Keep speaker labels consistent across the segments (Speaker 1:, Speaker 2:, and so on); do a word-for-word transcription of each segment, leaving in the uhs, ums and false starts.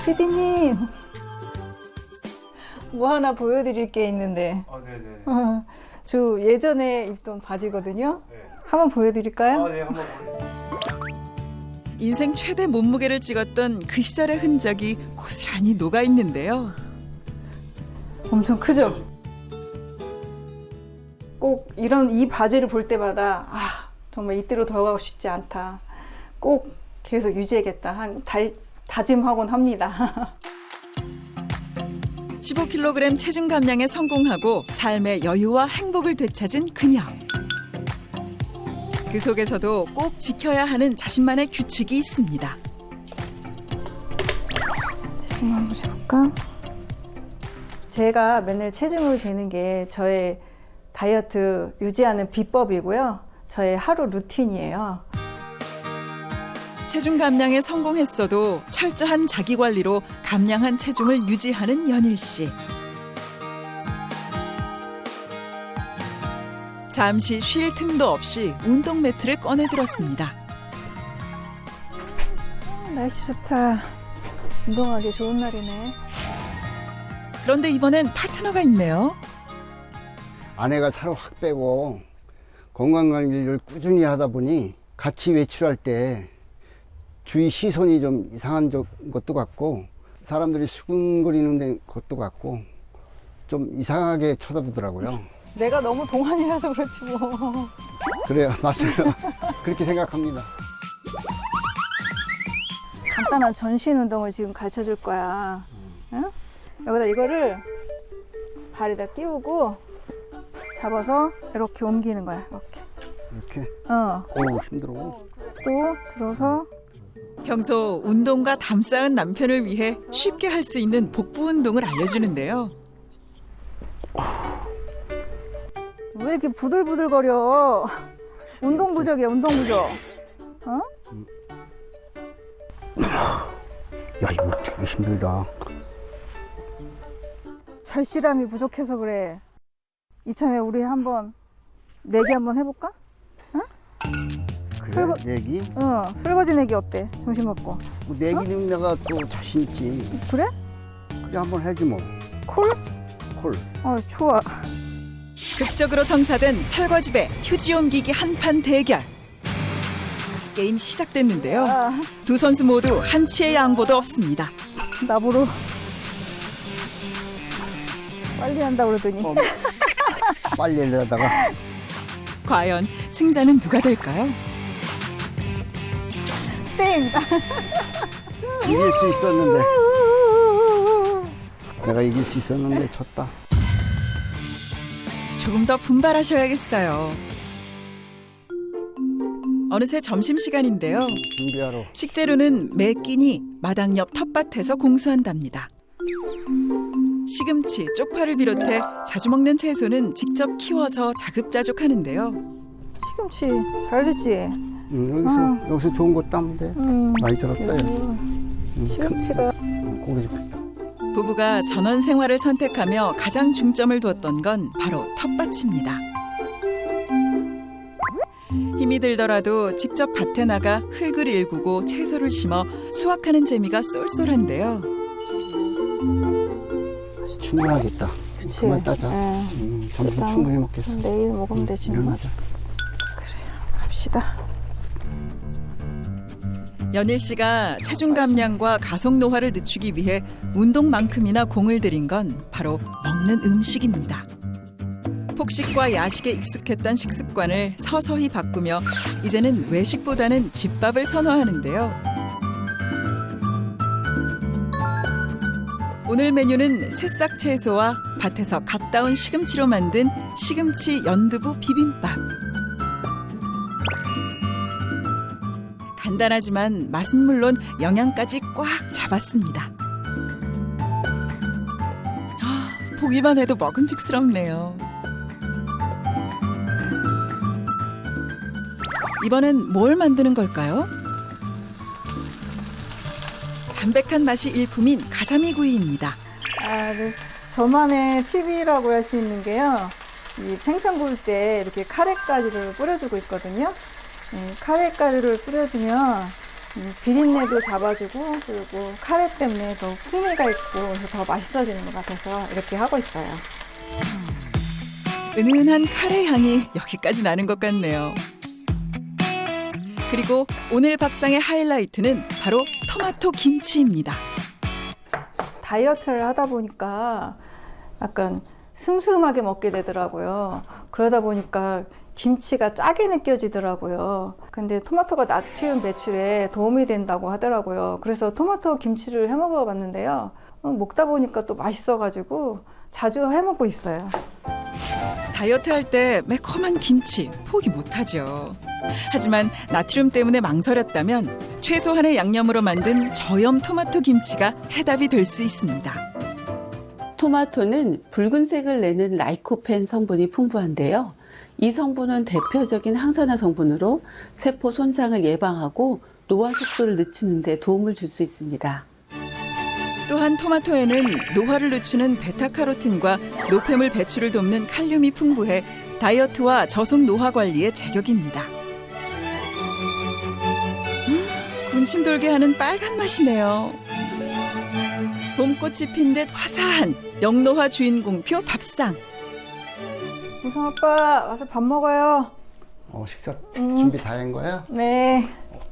Speaker 1: 피디님, 뭐 하나 보여드릴 게 있는데.
Speaker 2: 아, 네네.
Speaker 1: 어, 저 예전에 입던 바지거든요.
Speaker 2: 네.
Speaker 1: 한번 보여드릴까요?
Speaker 2: 아, 네, 한번 보여주세요.
Speaker 3: 인생 최대 몸무게를 찍었던 그 시절의 흔적이 고스란히 녹아 있는데요.
Speaker 1: 엄청 크죠? 꼭 이런 이 바지를 볼 때마다 아, 정말 이때로 돌아가고 싶지 않다. 꼭 계속 유지해야겠다. 한 다, 다짐하곤 합니다.
Speaker 3: 십오 킬로그램 체중 감량에 성공하고 삶의 여유와 행복을 되찾은 그녀. 그 속에서도 꼭 지켜야 하는 자신만의 규칙이 있습니다.
Speaker 1: 체중 한번 재볼까? 제가 맨날 체중을 재는 게 저의 다이어트 유지하는 비법이고요. 저의 하루 루틴이에요.
Speaker 3: 체중 감량에 성공했어도 철저한 자기 관리로 감량한 체중을 유지하는 연일 씨. 잠시 쉴 틈도 없이 운동 매트를 꺼내 들었습니다.
Speaker 1: 날씨 좋다. 운동하기 좋은 날이네.
Speaker 3: 그런데 이번엔 파트너가 있네요.
Speaker 4: 아내가 살을 확 빼고 건강관리를 꾸준히 하다 보니 같이 외출할 때 주위 시선이 좀 이상한 것도 같고 사람들이 수근거리는 것도 같고 좀 이상하게 쳐다보더라고요.
Speaker 1: 내가 너무 동안이라서 그렇지 뭐.
Speaker 4: 그래요, 맞습니다. 그렇게 생각합니다.
Speaker 1: 간단한 전신 운동을 지금 가르쳐 줄 거야. 응? 여기다 이거를 발에다 끼우고 잡아서 이렇게 옮기는 거야. 이렇게.
Speaker 4: 이렇게.
Speaker 1: 어.
Speaker 4: 오, 힘들어.
Speaker 1: 또 들어서
Speaker 3: 평소 운동과 담 쌓은 남편을 위해 쉽게 할 수 있는 복부 운동을 알려주는데요.
Speaker 1: 왜 이렇게 부들부들거려? 운동 부족이야, 운동 부족. 어?
Speaker 4: 야, 이거 되게 힘들다.
Speaker 1: 절실함이 부족해서 그래. 이참에 우리 한번 내기 한번 해볼까?
Speaker 4: 그래,
Speaker 1: 설거-
Speaker 4: 내기?
Speaker 1: 어, 설거지 내기 어때? 점심 먹고.
Speaker 4: 뭐 내기는 내가 또 자신 있지.
Speaker 1: 그래?
Speaker 4: 그래, 한번 해지 뭐.
Speaker 1: 콜?
Speaker 4: 콜.
Speaker 1: 어, 좋아.
Speaker 3: 극적으로 성사된 설거지배 휴지 옮기기 한판 대결. 게임 시작됐는데요.
Speaker 1: 아,
Speaker 3: 두 선수 모두 한치의 양보도 없습니다.
Speaker 1: 나보러 빨리 한다 그러더니.
Speaker 4: 어, 빨리 하다가
Speaker 3: 과연 승자는 누가 될까요?
Speaker 1: 땡!
Speaker 4: 이길 수 있었는데. 내가 이길 수 있었는데 졌다.
Speaker 3: 조금 더 분발하셔야겠어요. 어느새 점심시간인데요.
Speaker 4: 준비하러.
Speaker 3: 식재료는 매 끼니 마당 옆 텃밭에서 공수한답니다. 시금치, 쪽파를 비롯해 자주 먹는 채소는 직접 키워서 자급자족하는데요.
Speaker 1: 시금치 잘 됐지?
Speaker 4: 응, 여기서
Speaker 1: 아.
Speaker 4: 여기서 좋은 거 따면 돼.
Speaker 1: 음,
Speaker 4: 많이 들었다. 야.
Speaker 1: 여기
Speaker 4: 응,
Speaker 1: 시금치가
Speaker 4: 큰- 고기 좋겠다.
Speaker 3: 부부가 전원 생활을 선택하며 가장 중점을 두었던 건 바로 텃밭입니다. 힘이 들더라도 직접 밭에 나가 흙을 일구고 채소를 심어 수확하는 재미가 쏠쏠한데요.
Speaker 4: 충분하겠다.
Speaker 1: 그치?
Speaker 4: 그만 따자.
Speaker 1: 예.
Speaker 4: 음, 점심
Speaker 1: 일단
Speaker 4: 충분히 먹겠어.
Speaker 1: 내일 먹으면 되지 뭐.
Speaker 4: 일어나자.
Speaker 1: 갑시다.
Speaker 3: 연일 씨가 체중 감량과 가속 노화를 늦추기 위해 운동만큼이나 공을 들인 건 바로 먹는 음식입니다. 폭식과 야식에 익숙했던 식습관을 서서히 바꾸며 이제는 외식보다는 집밥을 선호하는데요. 오늘 메뉴는 새싹 채소와 밭에서 갓 따온 시금치로 만든 시금치 연두부 비빔밥. 간단하지만 맛은 물론 영양까지 꽉 잡았습니다. 아, 보기만 해도 먹음직스럽네요. 이번엔 뭘 만드는 걸까요? 담백한 맛이 일품인 가자미 구이입니다.
Speaker 1: 아, 네. 저만의 팁이라고 할 수 있는 게요. 이 생선 구울 때 이렇게 카레가루를 뿌려주고 있거든요. 이 카레가루를 뿌려주면 음, 비린내도 잡아주고 그리고 카레 때문에 더 풍미가 있고 그래서 더 맛있어지는 것 같아서 이렇게 하고 있어요.
Speaker 3: 은은한 카레 향이 여기까지 나는 것 같네요. 그리고 오늘 밥상의 하이라이트는 바로 토마토 김치입니다.
Speaker 1: 다이어트를 하다 보니까 약간 슴슴하게 먹게 되더라고요. 그러다 보니까 김치가 짜게 느껴지더라고요. 근데 토마토가 나트륨 배출에 도움이 된다고 하더라고요. 그래서 토마토 김치를 해 먹어봤는데요. 어, 먹다 보니까 또 맛있어가지고 자주 해 먹고 있어요.
Speaker 3: 다이어트 할 때 매콤한 김치 포기 못하죠. 하지만 나트륨 때문에 망설였다면 최소한의 양념으로 만든 저염 토마토 김치가 해답이 될 수 있습니다.
Speaker 2: 토마토는 붉은색을 내는 라이코펜 성분이 풍부한데요. 이 성분은 대표적인 항산화 성분으로 세포 손상을 예방하고 노화 속도를 늦추는 데 도움을 줄 수 있습니다.
Speaker 3: 또한 토마토에는 노화를 늦추는 베타카로틴과 노폐물 배출을 돕는 칼륨이 풍부해 다이어트와 저속 노화 관리에 제격입니다. 음, 군침 돌게 하는 빨간 맛이네요. 봄꽃이 핀 듯 화사한 영노화 주인공표 밥상.
Speaker 1: 우성 아빠 와서 밥 먹어요.
Speaker 4: 어, 식사
Speaker 1: 음.
Speaker 4: 준비 다 한 거야?
Speaker 1: 네.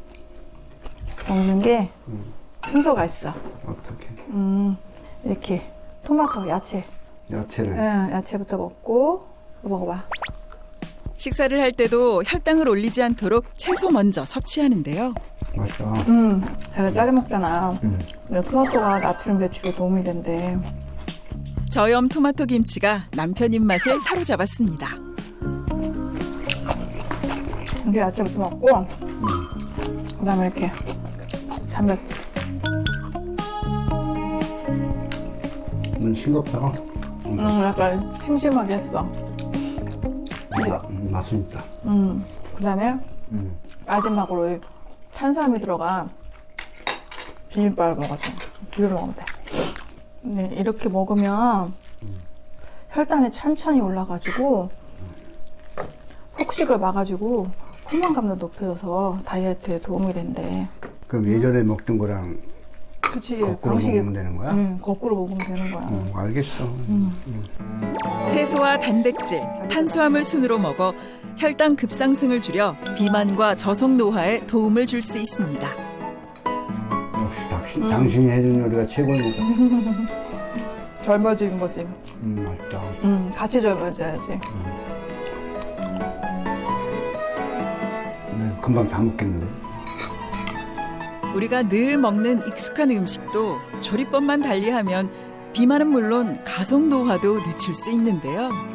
Speaker 1: 먹는 게
Speaker 4: 음.
Speaker 1: 순서가 있어.
Speaker 4: 어떻게?
Speaker 1: 음, 이렇게 토마토, 야채.
Speaker 4: 야채를.
Speaker 1: 응, 야채부터 먹고 먹어봐.
Speaker 3: 식사를 할 때도 혈당을 올리지 않도록 채소 먼저 섭취하는데요.
Speaker 4: 맞아.
Speaker 1: 음, 제가 짜게 먹잖아.
Speaker 4: 음.
Speaker 1: 근데 토마토가 나트륨 배출에 도움이 된대.
Speaker 3: 저염 토마토 김치가 남편 입맛을 사로잡았습니다.
Speaker 1: 이게 야채부터 먹고, 그 다음에 이렇게 단백질.
Speaker 4: 음, 싱겁다.
Speaker 1: 음, 약간 심심하게 했어.
Speaker 4: 마, 음, 맛은 있다.
Speaker 1: 음, 그 다음에
Speaker 4: 음.
Speaker 1: 마지막으로 이 탄수화물이 들어간 비빔밥을 먹어줘. 비벼 먹으면 돼. 근데 이렇게 먹으면 혈당이 천천히 올라가지고 폭식을 막아주고 포만감도 높여줘서 다이어트에 도움이 된대.
Speaker 4: 그럼 예전에 먹던 거랑
Speaker 1: 그치.
Speaker 4: 거꾸로
Speaker 1: 방식이-
Speaker 4: 먹으면 되는 거야?
Speaker 1: 응, 거꾸로 먹으면 되는 거야.
Speaker 4: 어, 알겠어.
Speaker 3: 채소와 단백질, 탄수화물 순으로 먹어 혈당 급상승을 줄여 비만과 저속 노화에 도움을 줄 수 있습니다.
Speaker 4: 역시 당신, 당신이 해준 요리가 최고입니다.
Speaker 1: 젊어지는 거지.
Speaker 4: 음, 맛있다.
Speaker 1: 응, 같이 젊어져야지.
Speaker 4: 네, 금방 다 먹겠는데.
Speaker 3: 우리가 늘 먹는 익숙한 음식도 조리법만 달리하면 비만은 물론 가속 노화도 늦출 수 있는데요.